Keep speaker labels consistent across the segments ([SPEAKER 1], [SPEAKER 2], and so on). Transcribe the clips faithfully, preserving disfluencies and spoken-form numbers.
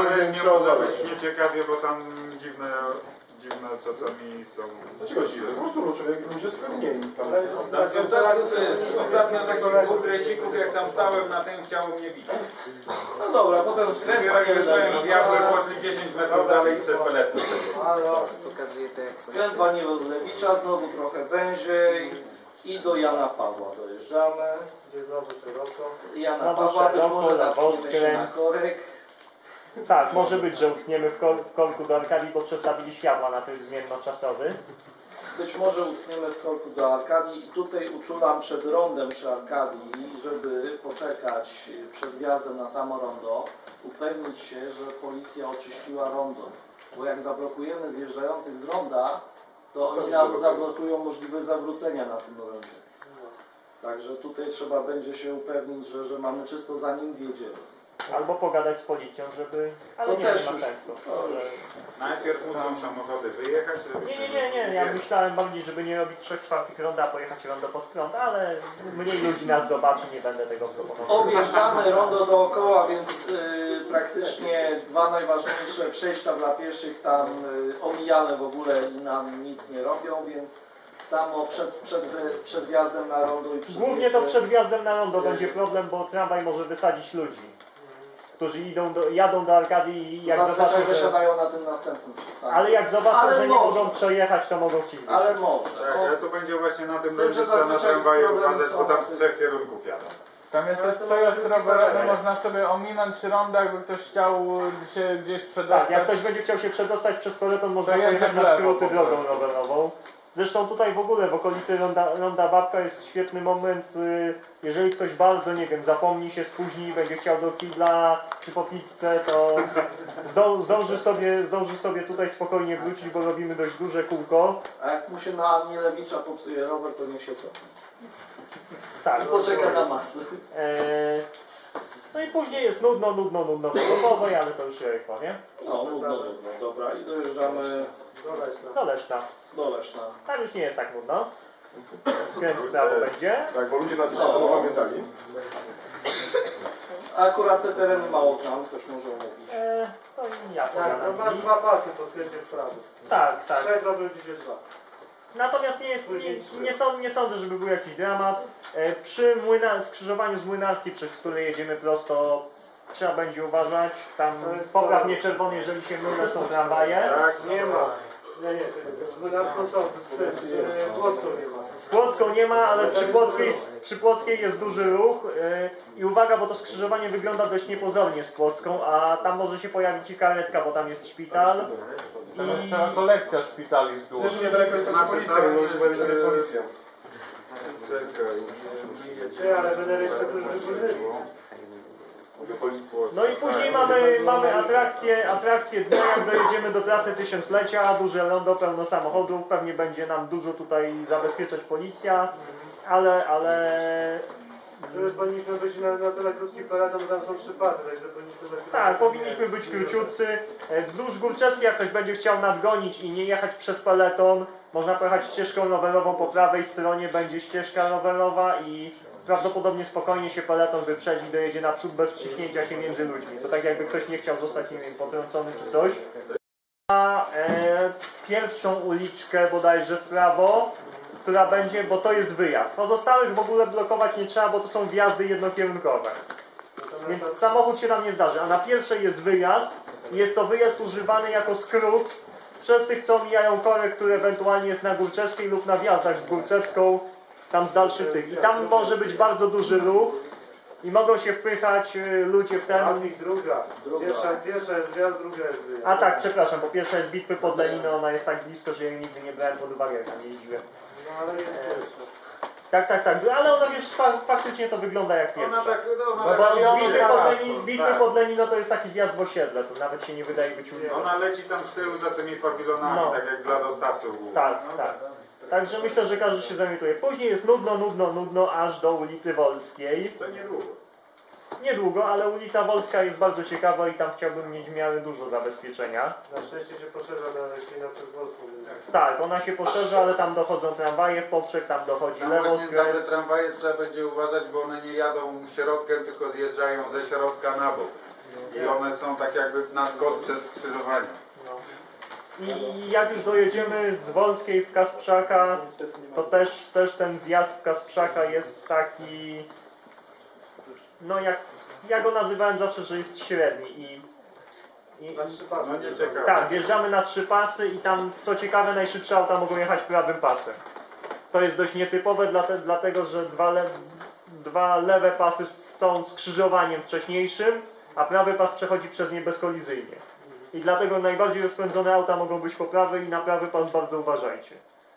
[SPEAKER 1] nie może być nieciekawie, bo tam dziwne, dziwne czasami są...
[SPEAKER 2] Dlaczego dziwne? Po prostu człowiek ludzie skłonieni.
[SPEAKER 1] Ostatnio takich dwóch gresików, jak tam stałem na tym, chciało mnie bić.
[SPEAKER 3] No dobra, potem skręt.
[SPEAKER 1] Jak wyszłem, diabły poszli dziesięć metrów dalej przez peletę.
[SPEAKER 3] Skręt Waniewicza, znowu trochę węziej i do Jana Pawła dojeżdżamy.
[SPEAKER 4] Gdzie znowu szeroko.
[SPEAKER 3] Jana
[SPEAKER 5] Znowu
[SPEAKER 3] Pawła, być
[SPEAKER 5] szeroko,
[SPEAKER 3] może
[SPEAKER 5] na
[SPEAKER 3] natkniemy się na
[SPEAKER 5] skręt.
[SPEAKER 3] korek.
[SPEAKER 5] Tak, może być, że utkniemy w, kor w korku do Arkadii, bo przestawili światła na tryb zmiennoczasowy.
[SPEAKER 3] Być może utkniemy w korku do Arkadii i tutaj uczulam przed rondem przy Arkadii, żeby poczekać przed wjazdem na samo rondo, upewnić się, że policja oczyściła rondo. Bo jak zablokujemy zjeżdżających z ronda, to oni nam zablokują możliwość zawrócenia na tym rondzie. Także tutaj trzeba będzie się upewnić, że, że mamy czysto zanim wjedziemy.
[SPEAKER 5] Albo pogadać z policją, żeby... Ale
[SPEAKER 3] To
[SPEAKER 5] nie,
[SPEAKER 3] też
[SPEAKER 5] nie ma
[SPEAKER 3] już-
[SPEAKER 5] sensu.
[SPEAKER 3] to już.
[SPEAKER 1] Najpierw muszą samochody wyjechać, żeby...
[SPEAKER 5] Nie, nie, nie, nie. Ja myślałem bardziej, żeby nie robić trzech czwartych ronda, a pojechać rondo pod prąd, ale mniej ludzi nas zobaczy, nie będę tego proponował.
[SPEAKER 3] Objeżdżamy rondo dookoła, więc y, praktycznie dwa najważniejsze przejścia dla pieszych tam y, omijane w ogóle i nam nic nie robią, więc samo przed, przed, przed wjazdem na rondo i przed
[SPEAKER 5] Głównie to przed wjazdem na rondo będzie problem, bo tramwaj może wysadzić ludzi, którzy idą do, jadą do Arkadii i jak
[SPEAKER 3] Zazwyczaj
[SPEAKER 5] zobaczą, że...
[SPEAKER 3] wysiadają na tym następnym przystanku.
[SPEAKER 5] Ale jak zobaczą,
[SPEAKER 3] Ale
[SPEAKER 5] że nie
[SPEAKER 3] może.
[SPEAKER 5] mogą przejechać, to mogą ci wyjść.
[SPEAKER 3] Ale może.
[SPEAKER 1] Tak, ale to będzie właśnie na tym
[SPEAKER 3] Z tym, że
[SPEAKER 1] będzie trzeba na
[SPEAKER 3] zazwyczaj
[SPEAKER 1] tramwaju
[SPEAKER 3] problemy
[SPEAKER 1] uważać,
[SPEAKER 3] są
[SPEAKER 1] bo tam
[SPEAKER 3] na
[SPEAKER 1] z
[SPEAKER 3] tym.
[SPEAKER 1] trzech kierunków jadą.
[SPEAKER 6] Tam jest też przejazd rowerowy, można sobie ominąć przy rondach, jakby ktoś chciał się gdzieś przedostać.
[SPEAKER 5] Tak, jak ktoś będzie chciał się przedostać przez peleton, można
[SPEAKER 6] To jedzie
[SPEAKER 5] pojechać
[SPEAKER 6] w
[SPEAKER 5] na
[SPEAKER 6] lewo
[SPEAKER 5] skróty
[SPEAKER 6] po
[SPEAKER 5] drogą
[SPEAKER 6] prostu.
[SPEAKER 5] rowerową. Zresztą tutaj w ogóle w okolicy Ronda, Ronda Babka jest świetny moment, y, jeżeli ktoś bardzo, nie wiem, zapomni się, spóźni, będzie chciał do kibla czy po pizzę, to zdą, zdąży, sobie, zdąży sobie tutaj spokojnie wrócić, bo robimy dość duże kółko.
[SPEAKER 3] A jak mu się na Nielewicza popsuje rower, to niech się cofnie.
[SPEAKER 5] Tak.
[SPEAKER 3] I poczeka na masę.
[SPEAKER 5] E, no i później jest nudno, nudno, nudno, pogodowo, ale to już Jarek powie.
[SPEAKER 3] No, nudno, nudno. Dobra, i dojeżdżamy
[SPEAKER 5] Do Leszna.
[SPEAKER 3] do Leszna.
[SPEAKER 5] Tam już nie jest tak nudno. Skręt w prawo będzie.
[SPEAKER 2] Tak, bo ludzie nas jeszcze to pamiętali.
[SPEAKER 3] A akurat te tereny mało znam, ktoś może mówić.
[SPEAKER 5] E, to ja
[SPEAKER 4] Tak, no
[SPEAKER 5] pogadam.
[SPEAKER 4] masz dwa pasy po skręcie w prawo.
[SPEAKER 5] Tak, tak.
[SPEAKER 4] Trzech robią ci się dwa.
[SPEAKER 5] Natomiast nie, jest, nie, nie, sąd, nie sądzę, żeby był jakiś dramat. E, przy młyna, skrzyżowaniu z Młynarskim, przez które jedziemy prosto, trzeba będzie uważać. Tam
[SPEAKER 4] To jest
[SPEAKER 5] poprawnie
[SPEAKER 4] to-
[SPEAKER 5] czerwony, jeżeli się mylę, są tramwaje.
[SPEAKER 1] Tak,
[SPEAKER 4] Nie ma. Nie, nie, z Młynarską są, z, z, z Płocką nie ma.
[SPEAKER 5] Z Płocką nie ma, ale przy Płockiej, przy Płockiej jest duży ruch. E, I uwaga, bo to skrzyżowanie wygląda dość niepozornie z Płocką, a tam może się pojawić i karetka, bo tam jest szpital.
[SPEAKER 6] Tam jest
[SPEAKER 5] I
[SPEAKER 6] cała kolekcja szpitali wzdłuż.
[SPEAKER 2] Też niedaleko jest nasza policja, nie może powiedzieć, że jest policja.
[SPEAKER 4] Ty, ale będę jeszcze coś wyburzyli.
[SPEAKER 5] No i później mamy, mamy atrakcje, atrakcje dnia, jak dojedziemy do trasy tysiąclecia, duże rondo, pełno samochodów, pewnie będzie nam dużo tutaj zabezpieczać policja, ale, ale...
[SPEAKER 4] Żeby powinniśmy być na, na tyle krótki peleton, bo tam są trzy pasy, także powinniśmy być...
[SPEAKER 5] Tak, powinniśmy być króciutcy. E, Wzdłuż Górczewskiej, jak ktoś będzie chciał nadgonić i nie jechać przez peleton, można pojechać ścieżką rowerową, po prawej stronie będzie ścieżka rowerowa i prawdopodobnie spokojnie się peleton wyprzedzi, dojedzie naprzód bez wciśnięcia się między ludźmi. To tak jakby ktoś nie chciał zostać, nie wiem, potrącony czy coś. A e, pierwszą uliczkę bodajże w prawo, która będzie, bo to jest wyjazd. Pozostałych w ogóle blokować nie trzeba, bo to są wjazdy jednokierunkowe. Więc samochód się nam nie zdarzy. A na pierwszej jest wyjazd. Jest to wyjazd używany jako skrót przez tych, co mijają korek, który ewentualnie jest na Górczewskiej lub na wjazdach z Górczewską, tam z dalszych tych. I tam może być bardzo duży ruch i mogą się wpychać y, ludzie w ten...
[SPEAKER 4] Trafik druga.
[SPEAKER 3] Druga.
[SPEAKER 4] Pierwsza, pierwsza jest wjazd, druga jest wyjazd.
[SPEAKER 5] A tak, przepraszam, bo pierwsza jest bitwy pod Leniną, ona jest tak blisko, że jej nigdy nie brałem pod uwagę, jak tam jeździłem.
[SPEAKER 4] No ale jest pierwsza.
[SPEAKER 5] Tak, tak, tak, ale ona wiesz, fa faktycznie to wygląda jak pierwsza.
[SPEAKER 1] Ona tak, no,
[SPEAKER 5] No
[SPEAKER 1] ona
[SPEAKER 5] bo
[SPEAKER 1] tak,
[SPEAKER 5] bitwy
[SPEAKER 1] tak,
[SPEAKER 5] pod,
[SPEAKER 1] tak,
[SPEAKER 5] Leni bitwy
[SPEAKER 1] tak.
[SPEAKER 5] pod Lenino to jest taki wjazd w osiedle, to nawet się nie wydaje być ulicą.
[SPEAKER 1] Ona leci tam z tyłu za tymi pawilonami,
[SPEAKER 5] No.
[SPEAKER 1] tak jak dla dostawców.
[SPEAKER 5] Tak, tak. Także myślę, że każdy się zorientuje. Później jest nudno, nudno, nudno, aż do ulicy Wolskiej.
[SPEAKER 1] To niedługo.
[SPEAKER 5] Niedługo, ale ulica Wolska jest bardzo ciekawa i tam chciałbym mieć w miarę dużo zabezpieczenia.
[SPEAKER 4] Na szczęście się poszerza na Leśnina przed Wolską.
[SPEAKER 5] Tak, ona się poszerza, ale tam dochodzą tramwaje w poprzek, tam dochodzi
[SPEAKER 1] Tam właśnie na
[SPEAKER 5] lewoskręt.
[SPEAKER 1] te tramwaje trzeba będzie uważać, bo one nie jadą środkiem, tylko zjeżdżają ze środka na bok. I one są tak jakby na skos przez skrzyżowanie.
[SPEAKER 5] I jak już dojedziemy z Wolskiej w Kasprzaka, to też, też ten zjazd w Kasprzaka jest taki, no jak ja go nazywałem zawsze, że jest średni. I, i,
[SPEAKER 4] Na trzy pasy.
[SPEAKER 1] No nie ciekawe.
[SPEAKER 5] tak, wjeżdżamy na trzy pasy i tam, co ciekawe, najszybsze auta mogą jechać prawym pasem. To jest dość nietypowe, dlate, dlatego że dwa, le, dwa lewe pasy są skrzyżowaniem wcześniejszym, a prawy pas przechodzi przez nie bezkolizyjnie. I dlatego najbardziej rozpędzone auta mogą być po prawej i na prawy pas bardzo uważajcie.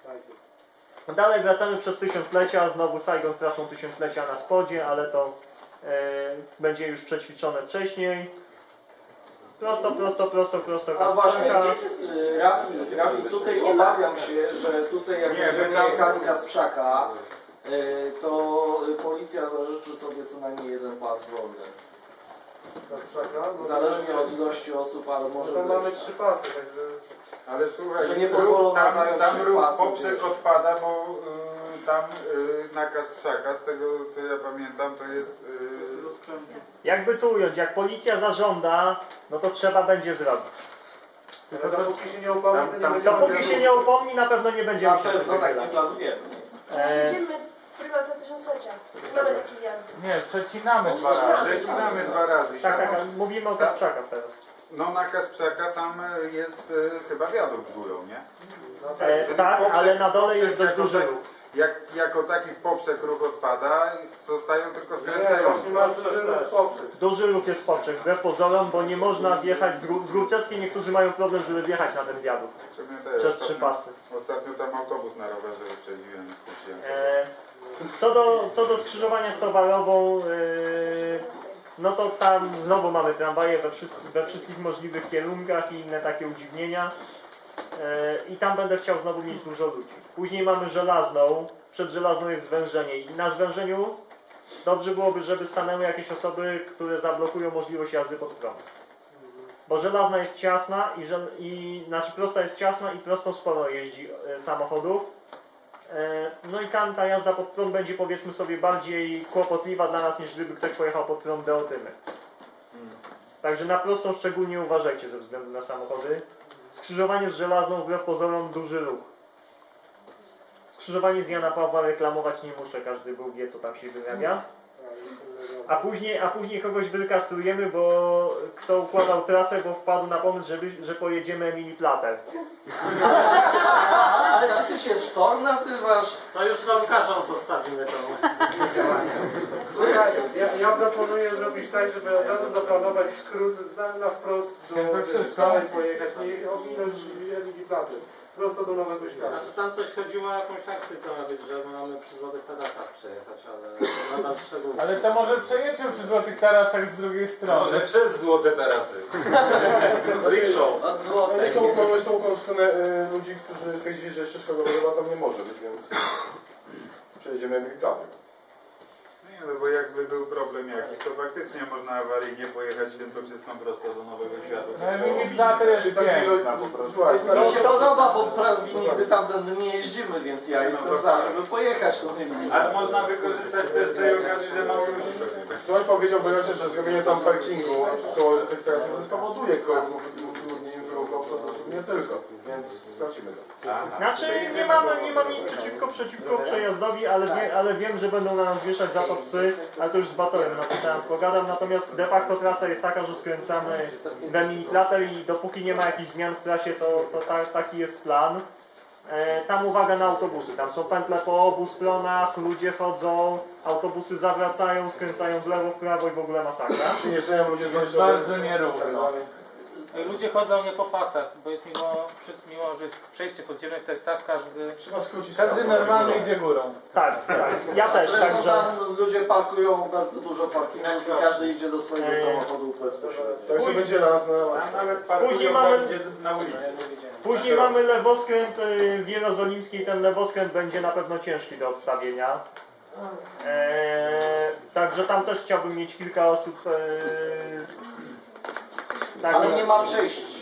[SPEAKER 5] Dalej wracamy przez tysiąclecia, znowu Saigon trasą tysiąclecia na spodzie, ale to e, będzie już przećwiczone wcześniej. Prosto, prosto, prosto, prosto,
[SPEAKER 3] A właśnie,
[SPEAKER 5] Kasprzaka.
[SPEAKER 3] y, Rafi, Rafi, tutaj obawiam się, że tutaj jak
[SPEAKER 1] Nie,
[SPEAKER 3] będziemy
[SPEAKER 1] my tam-
[SPEAKER 3] jechali Kasprzaka, y, to policja zażyczy sobie co najmniej jeden pas wolny.
[SPEAKER 4] Kasprzaka. No,
[SPEAKER 3] Zależnie od ilości osób, ale może
[SPEAKER 4] Tam mamy
[SPEAKER 3] być.
[SPEAKER 4] trzy pasy, także...
[SPEAKER 1] Ale słuchaj,
[SPEAKER 3] Że nie pozwolą
[SPEAKER 1] ruch-
[SPEAKER 3] nam
[SPEAKER 1] tam,
[SPEAKER 3] zająć
[SPEAKER 1] tam
[SPEAKER 3] trzech
[SPEAKER 1] ruch
[SPEAKER 3] pasów,
[SPEAKER 1] poprzek
[SPEAKER 3] wiesz.
[SPEAKER 1] odpada, bo y, tam y, na Kasprzaka, z tego co ja pamiętam, to jest... Y,
[SPEAKER 5] Jakby tu ująć, jak policja zażąda, no to trzeba będzie zrobić.
[SPEAKER 4] Ale dopóki się nie upomni, to nie
[SPEAKER 1] Tam-
[SPEAKER 4] będzie...
[SPEAKER 5] Dopóki się nie upomni, na pewno nie
[SPEAKER 3] Na
[SPEAKER 5] będziemy się
[SPEAKER 3] pewno tak nie
[SPEAKER 5] spotykać.
[SPEAKER 3] planujemy.
[SPEAKER 5] E,
[SPEAKER 7] Jedziemy chyba za tysiąclecia. Mamy takie jazdy.
[SPEAKER 6] Nie, przecinamy dwa razy.
[SPEAKER 1] Przecinamy dwa razy.
[SPEAKER 5] tak, tak,
[SPEAKER 1] Tam-
[SPEAKER 5] tak, mówimy o Kasprzakach teraz.
[SPEAKER 1] No na Kasprzaka tam y, jest y, chyba wiadukt górą, nie?
[SPEAKER 5] E, tak, ale na dole jest dość duży ruch.
[SPEAKER 1] Jak, jako taki w poprzek ruch odpada i zostają tylko
[SPEAKER 4] Nie,
[SPEAKER 1] skręcające.
[SPEAKER 4] właśnie masz duży ruch poprzek.
[SPEAKER 5] Duży ruch jest poprzek, wbrew pozorom, bo nie można wjechać z, Gru- z Górczewskiej, niektórzy mają problem, żeby wjechać na ten wiadukt
[SPEAKER 1] W sumie też.
[SPEAKER 5] przez trzy
[SPEAKER 1] Ostatnio-
[SPEAKER 5] pasy.
[SPEAKER 1] Ostatnio tam autobus na rowerze wyprzedziłem. skupiłem.
[SPEAKER 5] E, co, do, co do skrzyżowania z towarową, e, no to tam znowu mamy tramwaje we, wszy- we wszystkich możliwych kierunkach i inne takie udziwnienia. E, I tam będę chciał znowu mieć dużo ludzi. Później mamy żelazną, przed żelazną jest zwężenie i na zwężeniu dobrze byłoby, żeby stanęły jakieś osoby, które zablokują możliwość jazdy pod prąd. Bo żelazna jest ciasna i, żel, i znaczy prosta jest ciasna i prostą sporo jeździ e, samochodów. E, no i tam ta jazda pod prąd będzie, powiedzmy sobie, bardziej kłopotliwa dla nas, niż gdyby ktoś pojechał pod prąd Deotymy. Także na prostą szczególnie uważajcie ze względu na samochody. Skrzyżowanie z żelazną, wbrew pozorom, duży ruch. Skrzyżowanie z Jana Pawła reklamować nie muszę, każdy był wie, co tam się wyrabia. A później, a później kogoś wykastrujemy, bo kto układał trasę, bo wpadł na pomysł, żeby, że pojedziemy Emily Plater.
[SPEAKER 3] Ale czy ty się Sztorm nazywasz?
[SPEAKER 8] To już rolkarzom zostawimy to.
[SPEAKER 4] Słuchaj, ja, ja proponuję zrobić tak, żeby od razu zaplanować skrót na, na wprost do
[SPEAKER 6] Jak to wszystko?
[SPEAKER 4] Staloń pojechać, nie ominąć Eligi Platy. Prosto do Nowego Świata.
[SPEAKER 8] Znaczy tam coś chodziło o jakąś akcję, co ma być, że my mamy przy Złotych Tarasach przejechać, ale nadal szczegółów.
[SPEAKER 6] Ale to może przejedźmy przy Złotych Tarasach z drugiej strony.
[SPEAKER 1] Może przez złote tarasy.
[SPEAKER 2] Rickshaw.
[SPEAKER 3] Od złotej.
[SPEAKER 2] Jest tą kogoś tą stronę y, ludzi, którzy twierdzili, że ścieżka rowerowa tam nie może być, więc przejedziemy Emilikaty.
[SPEAKER 1] Nie, no bo jakby był problem jakiś, to faktycznie można awaryjnie pojechać tym wszystko prosto do Nowego Świata.
[SPEAKER 6] No Emily Plater jest
[SPEAKER 2] Czy takiego,
[SPEAKER 6] piękna po prostu.
[SPEAKER 2] słuchaj,
[SPEAKER 3] Mi się podoba, bo prawie nigdy tamtędy nie jeździmy, więc ja jestem za, żeby pojechać tą Emilię.
[SPEAKER 1] A można wykorzystać też z tej okazji, że mało ludzi.
[SPEAKER 2] ktoś powiedział wyraźnie, że zrobienie tam parkingu koło tych trasy spowoduje korków i utrudnień w ruchu autobusów, nie tylko, więc sprawdzimy to.
[SPEAKER 5] Znaczy nie mamy, nie mam nic przeciwko, przeciwko przejazdowi, ale, wie, ale wiem, że będą na nas wieszać za to psy, ale to już z Batorem na ten temat pogadam, natomiast de facto trasa jest taka, że skręcamy w Emily Plater i dopóki nie ma jakichś zmian w trasie, to, to ta, taki jest plan. E, tam uwaga na autobusy, tam są pętle po obu stronach, ludzie chodzą, autobusy zawracają, skręcają w lewo, w prawo i w ogóle masakra.
[SPEAKER 2] Przyjeżdżają ludzie z
[SPEAKER 6] Jest bardzo nierówno.
[SPEAKER 8] Ludzie chodzą nie po pasach, bo jest mimo, mimo że jest przejście podziemne, tak, tak każdy...
[SPEAKER 2] Trzeba skrócić.
[SPEAKER 6] Każdy normalny idzie górą.
[SPEAKER 5] Tak, tak, ja też,
[SPEAKER 3] Zresztą
[SPEAKER 5] także...
[SPEAKER 3] tam ludzie parkują bardzo dużo parkingów i każdy idzie do swojego
[SPEAKER 5] Eee.
[SPEAKER 3] samochodu bezpośrednio.
[SPEAKER 2] Także będzie nas na
[SPEAKER 1] Tam nawet parkują
[SPEAKER 5] Później
[SPEAKER 1] tam,
[SPEAKER 5] mamy-
[SPEAKER 1] gdzie na ulicy.
[SPEAKER 5] Później mamy lewoskręt y, w Jerozolimskiej, ten lewoskręt będzie na pewno ciężki do odstawienia. Eee, także tam też chciałbym mieć kilka osób. Eee, tak,
[SPEAKER 3] Ale nie ma przejść